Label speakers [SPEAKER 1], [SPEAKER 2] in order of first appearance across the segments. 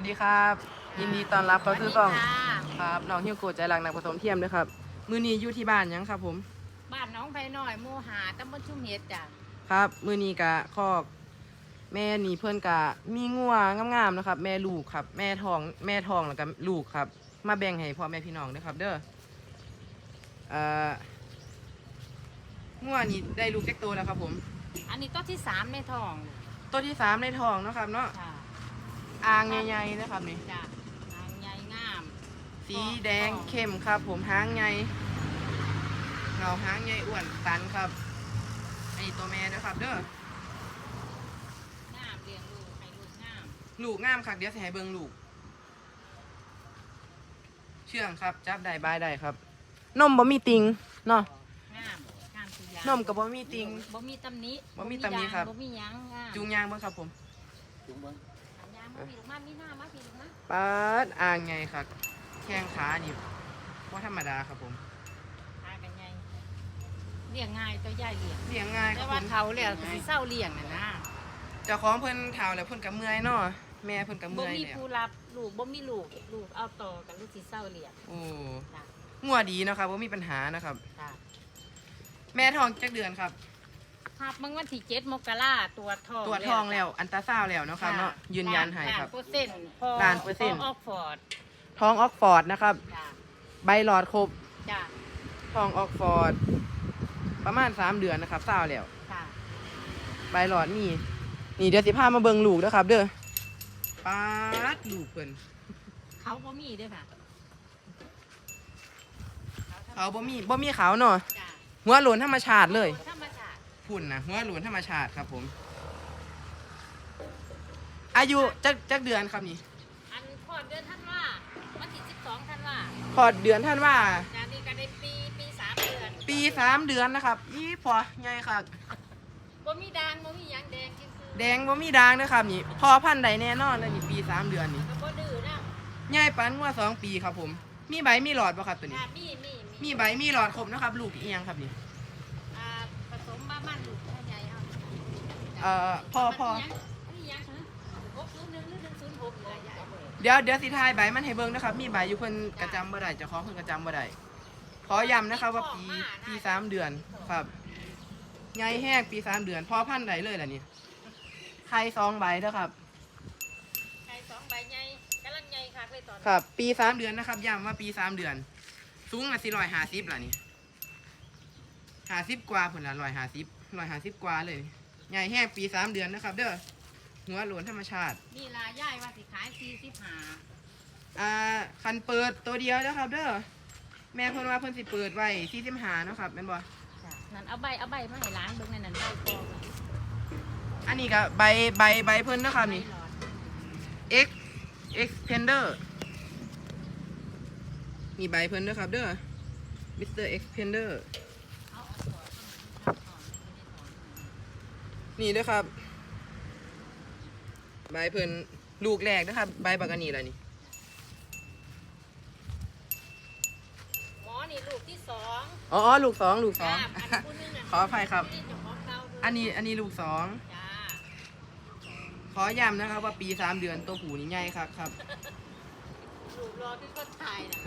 [SPEAKER 1] ดีครับยินดีต้อนรับเข้าสู่ช่อง
[SPEAKER 2] สวัสดีค่ะ
[SPEAKER 1] ครับน้องฮิวโกะใจรักนักผสมเทียมด้วยครับมื้อนี้อยู่ที่บ้านยังครับผม
[SPEAKER 2] บ้านน้องไผ่น้อยหมู่หาตำบลชุ่มเห็ดจ้ะ
[SPEAKER 1] ครับมื้อนี้กะคอกแม่นี่เพื่อนกะมีงัวงามๆนะครับ แม่ลูกครับแม่ทองแล้วก็ลูกครับ มาแบ่งให้พ่อแม่พี่น้องด้วยครับ เด้องัวนี่ได้ลูกเล็กโตแล้วครับผม
[SPEAKER 2] อันนี้ต้นที่สามในท้อง
[SPEAKER 1] ตัวที่3ในท้องเนาะครับเนาะ
[SPEAKER 2] จ้ะ
[SPEAKER 1] อ่างใหญ่ๆนะครับนี่
[SPEAKER 2] จ้ะหางใหญ่งาม
[SPEAKER 1] สีแดงเข้มครับ ผมหางใหญ่เงาหางใหญ่อ้วนตันครับอันนี้ตัวแม่ด้วยครับ เด้อ
[SPEAKER 2] งามเลี้ยงลูกให้ลูกงาม
[SPEAKER 1] ลูกงามครับเดี๋ยวสิให้เบิ่งลูก เชื่องครับจับได้บายได้ครับ นมบ่มีติงเนาะ
[SPEAKER 2] งามงามสุดยาง
[SPEAKER 1] นมกับบ่มีติง
[SPEAKER 2] บ่มีตำหนิ
[SPEAKER 1] บ่มีตำหนิครับ
[SPEAKER 2] บ่มีหยังงาม
[SPEAKER 1] จูงยางเบิ่งครับผม
[SPEAKER 2] อันยางบ่มีลูกมามีหน้ามาพี่ลูกนะ
[SPEAKER 1] ปาดอ่างไงครับแข้งขานี่ว่าธรรมดาครับผม
[SPEAKER 2] หากันใหญ่เลี้ยงง่ายตัวใหญ่เลี้ยง
[SPEAKER 1] เลี้ยงง่ายค
[SPEAKER 2] แต่
[SPEAKER 1] รับผ
[SPEAKER 2] ว่าม เฒ่าแล้วสิเศร้าเลี้ยงน่ะนะ
[SPEAKER 1] เจ้าของเพิ่นเฒ่าแล้วเพิ่นก็เมื่อยเนาะแม่เพิ่นก็
[SPEAKER 2] บ่
[SPEAKER 1] เมื่อย
[SPEAKER 2] มี
[SPEAKER 1] แล้ว
[SPEAKER 2] ผู้รับลูกบ่มีลูกเอาต่อกันลูกสิเศร้าเลี้ยง
[SPEAKER 1] โอ้
[SPEAKER 2] จ้ะ
[SPEAKER 1] งัวดีเนาะครับบ่มีปัญหานะครับ
[SPEAKER 2] จ้ะ
[SPEAKER 1] แม่ท้องจักเดือนครับ
[SPEAKER 2] ครับมึงวันที่7 มกราตรวจทอง
[SPEAKER 1] ตรวจท้องแล้วอันตราซาวด์แล้วเนาะครับเนาะยืนยันให้ครับ
[SPEAKER 2] ล้านเปอร์เซ็นต์พอ
[SPEAKER 1] ล้านเปอร์เซ็นต์
[SPEAKER 2] ออกฟอร์ด
[SPEAKER 1] ท้องออกฟอร์ดนะครับ
[SPEAKER 2] จ้ะ
[SPEAKER 1] ใบหลอดครบ
[SPEAKER 2] จ้ะ
[SPEAKER 1] ท้องออกฟอร์ดประมาณ3เดือนนะครับซาวแล้ว
[SPEAKER 2] จ้ะ
[SPEAKER 1] ใบหลอดนี่นี่เดี๋ยวสิพามาเบิ่งลูกนะครับ เด้อปาดลูกเพิ่น
[SPEAKER 2] เขาบ่มีด้วยค่ะ
[SPEAKER 1] เขาบ่มีเขาเนาะ
[SPEAKER 2] จ้ะ
[SPEAKER 1] หัวโหลนธรรมชาติเลย
[SPEAKER 2] ธรรมชาติ
[SPEAKER 1] พุ่นนะหัวโหลนธรรมชาติครับผม อายุจักเดือนครับนี่
[SPEAKER 2] อันพอดเดือนธันวาวันที่12ธันวา
[SPEAKER 1] พอดเดือนท่านว่า
[SPEAKER 2] จ้ะนี่ก็ได้ปี3เดือน
[SPEAKER 1] ปี3เดือนนะครับอีพอไงครับ
[SPEAKER 2] บ่มีด่างบ่มีหยังแดงซื่อ
[SPEAKER 1] แดงบ่มีด่างนะครับนี่พอพันธุ์ใดแน่นอนเลยนี่ปี3เดือนนี่
[SPEAKER 2] ๆก็บ่ดื้อนะ
[SPEAKER 1] ใหญ่ปานงัว2 ปีครับผม มีใบมีหลอดบ่ครับตัวนี้
[SPEAKER 2] จ้ะมี
[SPEAKER 1] มีใบมีหลอดครบนะครับ ลูกอีหยังครับนี่
[SPEAKER 2] อ่าผสมบ้ามันลูกใหญ่เอา
[SPEAKER 1] พ่อ
[SPEAKER 2] อันนี้หยังฮะ601หรือ106เลยใหญ่
[SPEAKER 1] เดี๋ยวสิทายใบมันให้เบิ่งนะครับ มีใบอยู่เพิ่นกระจำบ่ได้เจ้าของเพิ่นกระจำบ่ได้ขอย้ำนะครับว่าปี3เดือนครับใหญ่แห้งปี3เดือนพอพันธุ์ใดเลยล่ะนี่ไข่2ใบเด้อครับ
[SPEAKER 2] ไก่2ใบใหญ่กำลังใหญ่คักเลยตอนนี้
[SPEAKER 1] ครับ ปี3เดือนนะครับย้ำว่าปี3เดือน สูงอ่ะ450ล่ะนี่50กว่าพุ่นล่ะ150กว่าเลยใหญ่แห้งปี3เดือนนะครับ เด้อหัวโหลนธรรมชาติ
[SPEAKER 2] นี่ลาย่ายว่าสิขาย45
[SPEAKER 1] คันเปิดตัวเดียวนะครับ เด้อแม่เพิ่นว่าเพิ่นสิเปิดไว้45เนาะครับแม่นบ่
[SPEAKER 2] จ้ะนั่นเอาใบมาให้ร้านเบิ่งนั่นใบพอ
[SPEAKER 1] อันนี้ก็ใบเพิ่นนะครับนี่ X Xpander มีใบเพิ่นด้วยครับเด้อ Mr. Xpander นี่เด้อครับ ใบเพิ่นลูกแรกนะครับ ใบบักอันนี้ล่ะนี่
[SPEAKER 2] หมอนี่ลูกที่2
[SPEAKER 1] อ๋อลูก2
[SPEAKER 2] จ้า
[SPEAKER 1] 2
[SPEAKER 2] ผู้นึงน่ะ
[SPEAKER 1] ขออภัยครับ
[SPEAKER 2] เจ้าของเก่าเพิ่
[SPEAKER 1] อันนี้ลูก2
[SPEAKER 2] จ้า
[SPEAKER 1] ขอย้ำนะครับว่าปี3เดือนตัวหูนี่ใหญ่ครับครับ
[SPEAKER 2] ลูกรอที่คนตายน่ะ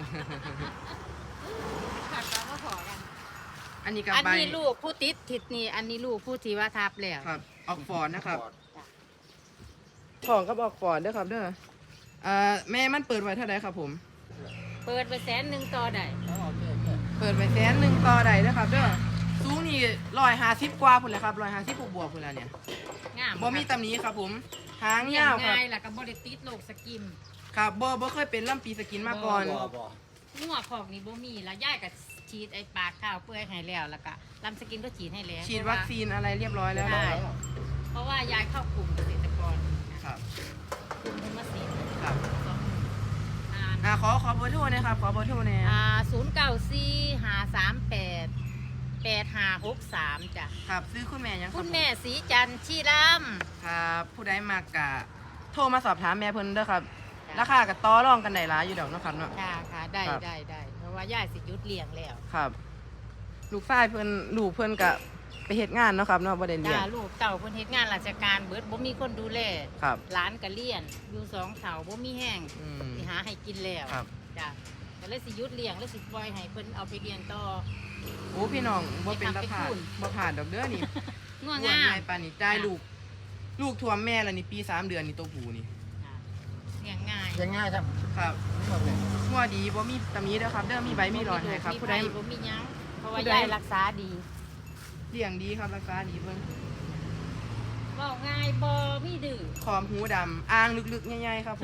[SPEAKER 2] ขัดกันมาขอกัน
[SPEAKER 1] อันนี้ก็
[SPEAKER 2] อัน
[SPEAKER 1] ใบ
[SPEAKER 2] นี้ลูกผู้ติดทิศนี่อันนี้ลูกผู้ที่ว่าทับแล้ว
[SPEAKER 1] ครับออกฟอร์ดนะครับ
[SPEAKER 2] จ้ะ
[SPEAKER 1] ของกับออกฟอร์ดเด้อครับเด้อแม่มันเปิดไว้เท่าไหร่ครับผม
[SPEAKER 2] เปิดไป100,000ต่อได้
[SPEAKER 1] เปิดไป100,000ต่อใดเด้อครับเด้อสูงนี่150กว่าพุ่นแหละครับ150บวกพุ่นแล้วเนี่ย
[SPEAKER 2] งาม
[SPEAKER 1] บ่มีตำหนี้ครับผมหาง
[SPEAKER 2] เลี้ยง
[SPEAKER 1] ยาวครับ
[SPEAKER 2] ง่ายแล้วก็บ่ได้ติดโรคสกิม
[SPEAKER 1] ครับบ่เคยเป็นลำปีสกินมาก่อน
[SPEAKER 2] งัวพอกนี่บ่มีแล้วย่ายก็ฉีดไอ้ปากข้าวเปื่อยให้แล้วแล้วก็ลำสกินก็ฉีดให้แล้ว
[SPEAKER 1] ฉีดวัคซีนอะไรเรียบร้อยแล้ว
[SPEAKER 2] ใช่เพราะว่ายายเข้ากลุ่มเกษตรกร
[SPEAKER 1] ครับ
[SPEAKER 2] กลุ่มธรรมศิลป์
[SPEAKER 1] ครับ
[SPEAKER 2] อ่า
[SPEAKER 1] ขอเบอร์โทรหนะครับขอเบอร์โทรหน่อย
[SPEAKER 2] 094-538-8563จ้ะ
[SPEAKER 1] ครับซื้อคุณแม่ยังรับ
[SPEAKER 2] คุณแม่สีจันทร์ชีร
[SPEAKER 1] ครับผู้ใดมากกะโทรมาสอบถามแม่เพิ่นเด้อครับ
[SPEAKER 2] ำ
[SPEAKER 1] ราคาก็ต่อรองกันได้หลายอยู่ดอกเนาะครับเนาะ
[SPEAKER 2] ค่ะได้
[SPEAKER 1] ครับ
[SPEAKER 2] ได้เพราะว่ายายสิหยุดเลี้ยงแล้ว
[SPEAKER 1] ครับ ลูกชายเพิ่นลูกเพิ่นก็ไปเฮ็ดงานเนาะครับเนาะบ่ได้เลี้ย
[SPEAKER 2] จ้าง ลูกเต่าเพิ่นเฮ็ดงานราชการเบิดบ่มีคนดูแล
[SPEAKER 1] ครับ
[SPEAKER 2] หลานก็เลี้ยงอยู่สองเฒ่าบ่มีแห้ง
[SPEAKER 1] อืม
[SPEAKER 2] สิหาให้กินแล้ว
[SPEAKER 1] ครับ
[SPEAKER 2] จ้ะก็เลยสิหยุดเลี้ยงแล้วสิปล่อยให้เพิ่นเอาไปเลี้ยงต่อ
[SPEAKER 1] โอ้พี่น้องบ่เป็นตาผ่าน
[SPEAKER 2] ไปทำไปคุณ
[SPEAKER 1] บ่ผ่านดอกเด้อนี่
[SPEAKER 2] งัว
[SPEAKER 1] อ้วน
[SPEAKER 2] งา
[SPEAKER 1] ใหญ่
[SPEAKER 2] ม
[SPEAKER 1] ปานนี้จ่ายลูกท่วมแม่แล้วนี่ปี3 เดือนนี่ตัวผู้นี่
[SPEAKER 2] จ้ะเลี้ยงง่าย
[SPEAKER 3] ยังง่ายครับ
[SPEAKER 1] ครับ
[SPEAKER 3] หมดเลย
[SPEAKER 1] งัวดีบ่มีตำหนิเด้อครับเด้อมีใบมีหลอดให้ครับผู้ใด
[SPEAKER 2] บ่มีหยังเพราะว่า
[SPEAKER 1] ผู้ใด
[SPEAKER 2] ยายรักษาดี
[SPEAKER 1] เลี้ยงดีครับรักษาดีเบิ่ง
[SPEAKER 2] เว้าง่ายบ่มีดื้อ
[SPEAKER 1] ขอมหูดำอ่างลึกๆใหญ่ๆครับผม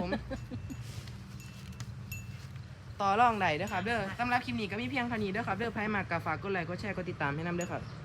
[SPEAKER 1] ต่อรองได้เด้อครับเด้อสำหรับคลิปนี้ก็มีเพียงเท่านี้เด้อครับเด้อไผมากก็ฝากกดไลค์กดแชร์กดติดตามให้นำเด้อครับ